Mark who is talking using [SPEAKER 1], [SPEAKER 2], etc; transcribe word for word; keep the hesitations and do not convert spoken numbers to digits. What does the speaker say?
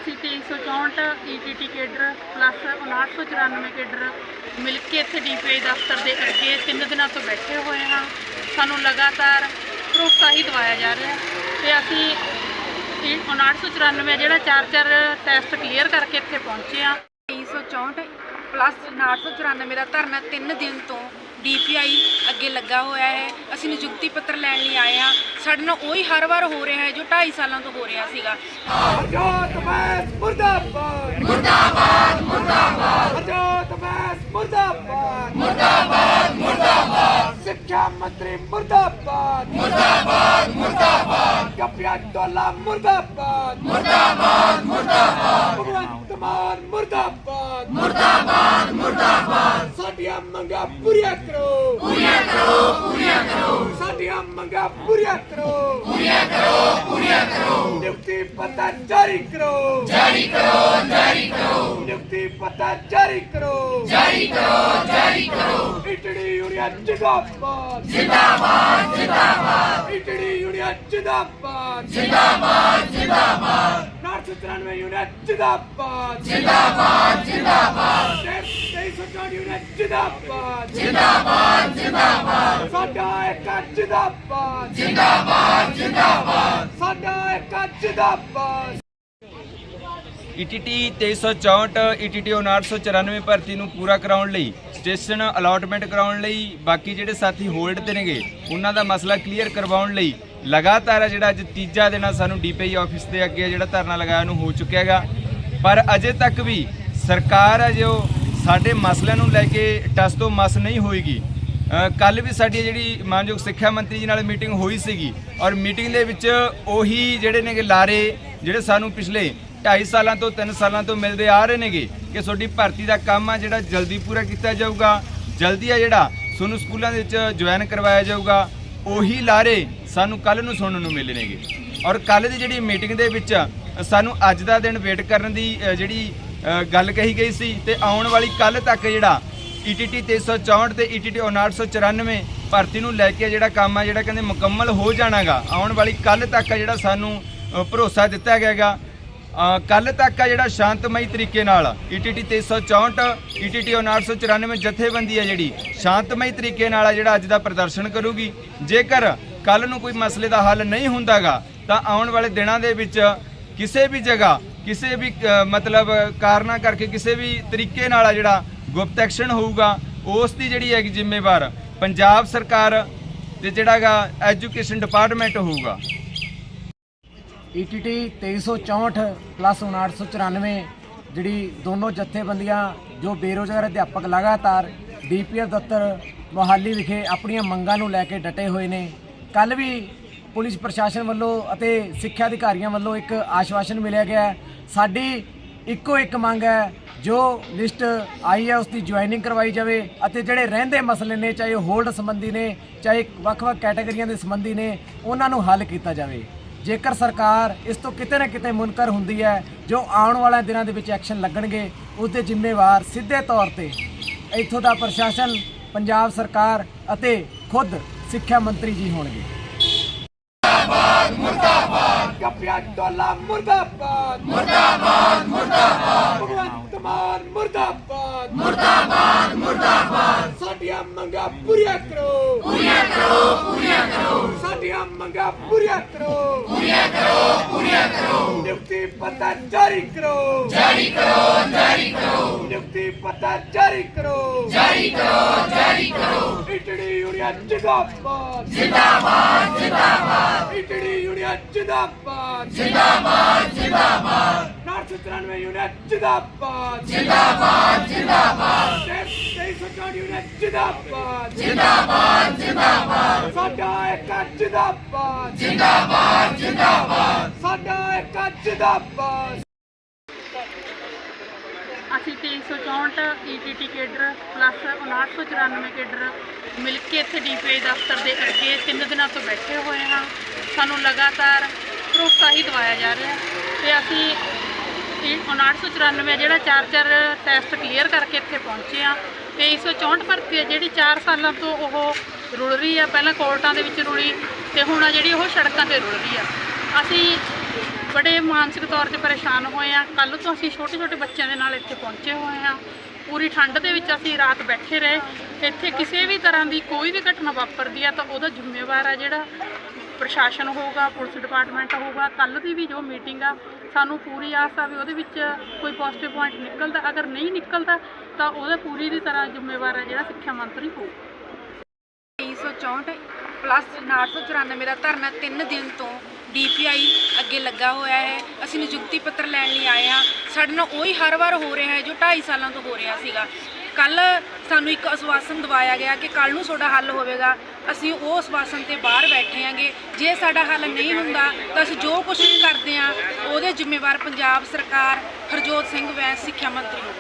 [SPEAKER 1] ਅਸੀਂ तेईस सौ चौंठ E T T cadre plus उनाहठ सौ चौरानवे ਕੇਡਰ ਮਿਲ ਕੇ ਇੱਥੇ ਡੀ ਪੀ ਆਈ ਦਫ਼ਤਰ ਦੇ ਅੱਗੇ ਤਿੰਨ ਦਿਨਾਂ ਤੋਂ ਬੈਠੇ ਹੋਏ ਹਾਂ। ਸਾਨੂੰ ਲਗਾਤਾਰ ਭਰੋਸਾ ਹੀ ਦਿਵਾਇਆ ਜਾ ਰਿਹਾ ਤੇ ਅਸੀਂ उनाहठ सौ चौरानवे ਜਿਹੜਾ ਚਾਰ ਚਾਰ ਟੈਸਟ ਕਲੀਅਰ ਕਰਕੇ ਇੱਥੇ ਪਹੁੰਚੇ ਹਾਂ।
[SPEAKER 2] तेईस सौ चौंठ प्लस उनाहठ सौ चौरानवे का धरना तीन दिन तो डी पी आई अगे लगा हुआ है। असी नियुक्ति पत्र लैन लिए आए हाँ। साढ़े नाल उही हर बार हो रहा है जो ढाई सालों तो हो रहा सीगा।
[SPEAKER 3] आजाद मैस मुर्दाबाद मुर्दाबाद मुर्दाबाद आजाद मैस मुर्दाबाद मुर्दाबाद मुर्दाबाद शिक्षा मंत्री मुर्दाबाद मुर्दाबाद मुर्दाबाद कपियाटोला मुर्दाबाद मुर्दाबाद मुर्दाबाद भगवंत मान मुर्दाबाद मुर्दाबाद मुर्दाबाद साडियां मंगां पूरियां करो पूरियां करो पूरियां करो साडियां मंगां पूरियां करो पूरियां करो पूरियां करो नियुक्ति पत्र जारी करो जारी करो जारी करो नियुक्ति पत्र जारी करो जारी करो जारी करो इटड़ी यूनियन जिंदाबाद जिंदाबाद जिंदाबाद इटड़ी यूनियन जिंदाबाद जिंदाबाद जिंदाबाद उनाहठ सौ चौरानवे यूनियन जिंदाबाद जिंदाबाद जिंदाबाद तेईस सौ चौंठ यूनियन जिंदाबाद जिंदाबाद जिंदाबाद साडा एक जिंदाबाद जिंदाबाद जिंदाबाद साडा एक जिंदाबाद।
[SPEAKER 4] ई टी टी तेईस सौ चौंठ ई टी टी उनाहठ सौ चौरानवे भर्ती ਨੂੰ ਪੂਰਾ ਕਰਾਉਣ ਲਈ ਸਟੇਸ਼ਨ ਅਲਾਟਮੈਂਟ ਕਰਾਉਣ ਲਈ ਬਾਕੀ ਜਿਹੜੇ ਸਾਥੀ ਹੋਲਡ ਤੇ ਨੇਗੇ ਉਹਨਾਂ ਦਾ ਮਸਲਾ ਕਲੀਅਰ ਕਰਵਾਉਣ ਲਈ ਲਗਾਤਾਰ ਜਿਹੜਾ ਅੱਜ ਤੀਜਾ ਦਿਨ ਸਾਨੂੰ ਡੀ ਪੀ ਆਈ ਆਫਿਸ ਦੇ ਅੱਗੇ ਜਿਹੜਾ ਧਰਨਾ ਲਗਾਇਆ ਨੂੰ ਹੋ ਚੁੱਕਿਆ ਹੈਗਾ। ਪਰ ਅਜੇ ਤੱਕ ਵੀ ਸਰਕਾਰ ਹੈ ਜੋ ਸਾਡੇ ਮਸਲਿਆਂ ਨੂੰ ਲੈ ਕੇ ਟਸ ਤੋਂ ਮਸ ਨਹੀਂ ਹੋਏਗੀ। ਕੱਲ ਵੀ ਸਾਡੀ ਜਿਹੜੀ ਮਾਨਯੋਗ ਸਿੱਖਿਆ ਮੰਤਰੀ ਜੀ ਨਾਲ ਮੀਟਿੰਗ ਹੋਈ ਸੀਗੀ ਔਰ ਮੀਟਿੰਗ ਦੇ ਵਿੱਚ ਉਹੀ ਜਿਹੜੇ ਨੇਗੇ ਲਾਰੇ ਜਿਹੜੇ ਸਾਨੂੰ ਪਿਛਲੇ ਢਾਈ ਸਾਲਾਂ ਤੋਂ ਤਿੰਨ ਸਾਲਾਂ ਤੋਂ ਮਿਲਦੇ ਆ ਰਹੇ ਨੇਗੇ ਕਿ ਤੁਹਾਡੀ ਭਰਤੀ ਦਾ ਕੰਮ ਆ ਜਿਹੜਾ ਜਲਦੀ ਪੂਰਾ ਕੀਤਾ ਜਾਊਗਾ, ਜਲਦੀ ਆ ਜਿਹੜਾ ਤੁਹਾਨੂੰ ਸਕੂਲਾਂ ਦੇ ਵਿੱਚ ਜੁਆਇਨ ਕਰਵਾਇਆ ਜਾਊਗਾ। ਉਹੀ ਲਾਰੇ ਸਾਨੂੰ ਕੱਲ ਨੂੰ ਸੁਣਨ ਨੂੰ ਮਿਲੇ ਨੇਗੇ ਔਰ ਕੱਲ ਦੀ ਜਿਹੜੀ ਮੀਟਿੰਗ ਦੇ ਵਿੱਚ ਸਾਨੂੰ ਅੱਜ ਦਾ ਦਿਨ ਵੇਟ ਕਰਨ ਦੀ ਜਿਹੜੀ ਗੱਲ ਕਹੀ ਗਈ ਸੀ ਤੇ ਆਉਣ ਵਾਲੀ ਕੱਲ ਤੱਕ ਜਿਹੜਾ ਈ ਟੀ ਟੀ तेईस सौ चौंठ ਤੇ ਈ ਟੀ ਟੀ उनाहठ सौ चौरानवे ਭਰਤੀ ਨੂੰ ਲੈ ਕੇ ਜਿਹੜਾ ਕੰਮ ਆ ਜਿਹੜਾ ਕਹਿੰਦੇ ਮੁਕੰਮਲ ਹੋ ਜਾਣਾਗਾ। ਆਉਣ ਵਾਲੀ ਕੱਲ ਤੱਕ ਜਿਹੜਾ ਸਾਨੂੰ ਭਰੋਸਾ ਦਿੱਤਾ ਗਿਆ ਹੈਗਾ। ਕੱਲ ਤੱਕ ਆ ਜਿਹੜਾ ਸ਼ਾਂਤਮਈ ਤਰੀਕੇ ਨਾਲ ਈ ਟੀ ਟੀ तेईस सौ चौंठ ਈ ਟੀ ਟੀ उनाहठ सौ चौरानवे ਜਥੇਬੰਦੀ ਆ ਜਿਹੜੀ ਸ਼ਾਂਤਮਈ ਤਰੀਕੇ ਨਾਲ ਆ ਜਿਹੜਾ ਅੱਜ ਦਾ ਪ੍ਰਦਰਸ਼ਨ ਕਰੂਗੀ। ਜੇਕਰ ਕੱਲ ਨੂੰ ਕੋਈ ਮਸਲੇ ਦਾ ਹੱਲ ਨਹੀਂ ਹੁੰਦਾਗਾ ਤਾਂ ਆਉਣ ਵਾਲੇ ਦਿਨਾਂ ਦੇ ਵਿੱਚ ਕਿਸੇ ਵੀ ਜਗ੍ਹਾ ਕਿਸੇ ਵੀ ਮਤਲਬ ਕਾਰਨਾਂ ਕਰਕੇ ਕਿਸੇ ਵੀ ਤਰੀਕੇ ਨਾਲ ਆ ਜਿਹੜਾ ਗੁਪਤ ਐਕਸ਼ਨ ਹੋਊਗਾ ਉਸ ਦੀ ਜਿਹੜੀ ਹੈਗੀ ਜ਼ਿੰਮੇਵਾਰ ਪੰਜਾਬ ਸਰਕਾਰ ਤੇ ਜਿਹੜਾਗਾ ਐਜੂਕੇਸ਼ਨ ਡਿਪਾਰਟਮੈਂਟ ਹੋਊਗਾ।
[SPEAKER 5] ई टी टी तेईस सौ चौंठ प्लस उनाहठ सौ चौरानवे जी दोनों जथेबंदियां जो बेरोजगार अध्यापक लगातार डी पी एफ दफ्तर मोहाली विखे अपनियां मंगां नूं लैके डटे हुए ने। कल भी पुलिस प्रशासन वालों अते सिक्ख्या अधिकारियों वालों एक आश्वासन मिलिया गया। साडी इक्को एक मंग है जो लिस्ट आई है उसकी ज्वाइनिंग करवाई जाए अते जिहड़े रहिंदे मसले ने चाहे होल्ड संबंधी ने चाहे वख-वख कैटेगरियां दे संबंधी ने उन्हां नूं हल किया जाए। जेकर सरकार इस तो किते ना किते मुनकर हुंदी है जो आने वाले दिनों के विच एक्शन लगणगे उसके जिम्मेवार सीधे तौर पर इत्थों का प्रशासन पंजाब सरकार अते खुद सिक्ख्या मंत्री जी होणगे।
[SPEAKER 3] मुर्दाबाद मुर्दाबाद कपियाटोला मुर्दाबाद मुर्दाबाद मुर्दाबाद भगवंत मान मुर्दाबाद मुर्दाबाद मुर्दाबाद साडियां मंगां पूरियां करो पूरियां करो पूरियां करो साडियां मंगां पूरियां करो पूरियां करो पूरियां करो नियुक्ति पत्र जारी करो जारी करो जारी करो नियुक्ति पत्र जारी करो जारी करो जारी करो इटड़ी यूनियन जिंदाबाद जिंदाबाद जिंदाबाद इटड़ी यूनियन जिंदाबाद जिंदाबाद जिंदाबाद उनाहठ सौ चौरानवे यूनियन जिंदाबाद जिंदाबाद जिंदाबाद तेईस सौ चौंठ यूनियन जिंदाबाद जिंदाबाद जिंदाबाद साडा एक जिंदाबाद जिंदाबाद जिंदाबाद साडा एक जिंदाबाद।
[SPEAKER 1] ਅਸੀਂ तेईस सौ चौंठ E T T cadre plus उनाहठ सौ चौरानवे ਕੇਡਰ ਮਿਲ ਕੇ ਇੱਥੇ ਡੀ ਪੀ ਆਈ ਦਫ਼ਤਰ ਦੇ ਅੱਗੇ ਤਿੰਨ ਦਿਨਾਂ ਤੋਂ ਬੈਠੇ ਹੋਏ ਹਾਂ। ਸਾਨੂੰ ਲਗਾਤਾਰ ਭਰੋਸਾ ਹੀ ਦਿਵਾਇਆ ਜਾ ਰਿਹਾ ਤੇ ਅਸੀਂ उनाहठ सौ चौरानवे ਜਿਹੜਾ ਚਾਰ ਚਾਰ ਟੈਸਟ ਕਲੀਅਰ ਕਰਕੇ ਇੱਥੇ ਪਹੁੰਚੇ ਹਾਂ। तेईस सौ चौंठ ਭਰਤੀ ਹੈ ਜਿਹੜੀ ਚਾਰ ਸਾਲਾਂ ਤੋਂ ਉਹ ਰੁਲ ਰਹੀ ਆ। ਪਹਿਲਾਂ ਕੋਰਟਾਂ ਦੇ ਵਿੱਚ ਰੁਲੀ ਤੇ ਹੁਣ ਆ ਜਿਹੜੀ ਉਹ ਸੜਕਾਂ ਤੇ ਰੁਲ ਰਹੀ ਆ। ਅਸੀਂ ਬੜੇ ਮਾਨਸਿਕ ਤੌਰ ਤੇ ਪਰੇਸ਼ਾਨ ਹੋਏ ਆ। ਕੱਲ ਤੋਂ ਅਸੀਂ ਛੋਟੇ ਛੋਟੇ ਬੱਚਿਆਂ ਦੇ ਨਾਲ ਇੱਥੇ ਪਹੁੰਚੇ ਹੋਏ ਹਾਂ। ਪੂਰੀ ਠੰਡ ਦੇ ਵਿੱਚ ਅਸੀਂ ਰਾਤ ਬੈਠੇ ਰਹੇ। ਇੱਥੇ ਕਿਸੇ ਵੀ ਤਰ੍ਹਾਂ ਦੀ ਕੋਈ ਵੀ ਘਟਨਾ ਵਾਪਰਦੀ ਆ ਤਾਂ ਉਹਦਾ ਜ਼ਿੰਮੇਵਾਰ ਆ ਜਿਹੜਾ ਪ੍ਰਸ਼ਾਸਨ ਹੋਊਗਾ, ਪੁਲਿਸ ਡਿਪਾਰਟਮੈਂਟ ਹੋਊਗਾ। ਕੱਲ ਦੀ ਵੀ ਜੋ ਮੀਟਿੰਗ ਆ ਸਾਨੂੰ ਪੂਰੀ ਆਸ ਆ ਵੀ ਉਹਦੇ ਵਿੱਚ ਕੋਈ ਪੋਜ਼ਿਟਿਵ ਪੁਆਇੰਟ ਨਿਕਲਦਾ, ਅਗਰ ਨਹੀਂ ਨਿਕਲਦਾ ਤਾਂ ਉਹਦਾ ਪੂਰੀ ਦੀ ਤਰ੍ਹਾਂ ਜ਼ਿੰਮੇਵਾਰ ਆ ਜਿਹੜਾ ਸਿੱਖਿਆ ਮੰਤਰੀ ਹੋਊਗਾ।
[SPEAKER 2] ਤੇਈ ਸੌ ਚੌਂਹਠ ਪਲੱਸ ਉਨਾਹਠ ਸੌ ਚੁਰਾਨਵੇਂ ਦਾ ਧਰਨਾ ਤਿੰਨ ਦਿਨ ਤੋਂ ਡੀ ਪੀ ਆਈ ਅੱਗੇ ਲੱਗਾ ਹੋਇਆ ਹੈ। ਅਸੀਂ ਨਿਯੁਕਤੀ ਪੱਤਰ ਲੈਣ ਲਈ ਆਏ ਹਾਂ। ਸਾਡੇ ਨਾਲ ਉਹੀ ਹਰ ਵਾਰ ਹੋ ਰਿਹਾ ਹੈ ਜੋ ਢਾਈ ਸਾਲਾਂ ਤੋਂ ਹੋ ਰਿਹਾ ਸੀਗਾ। ਕੱਲ ਸਾਨੂੰ ਇੱਕ ਆਸ਼ਵਾਸਨ ਦਿਵਾਇਆ ਗਿਆ ਕਿ ਕੱਲ ਨੂੰ ਤੁਹਾਡਾ ਹੱਲ ਹੋਵੇਗਾ। ਅਸੀਂ ਉਹ ਆਸ਼ਵਾਸਨ ਤੇ ਬਾਹਰ ਬੈਠੇ ਆਂਗੇ। ਜੇ ਸਾਡਾ ਹੱਲ ਨਹੀਂ ਹੁੰਦਾ ਤਾਂ ਅਸੀਂ ਜੋ ਕੁਝ ਵੀ ਕਰਦੇ ਹਾਂ ਉਹਦੇ ਜ਼ਿੰਮੇਵਾਰ ਪੰਜਾਬ ਸਰਕਾਰ, ਹਰਜੋਤ ਸਿੰਘ ਵੈਸ ਸਿੱਖਿਆ ਮੰਤਰੀ।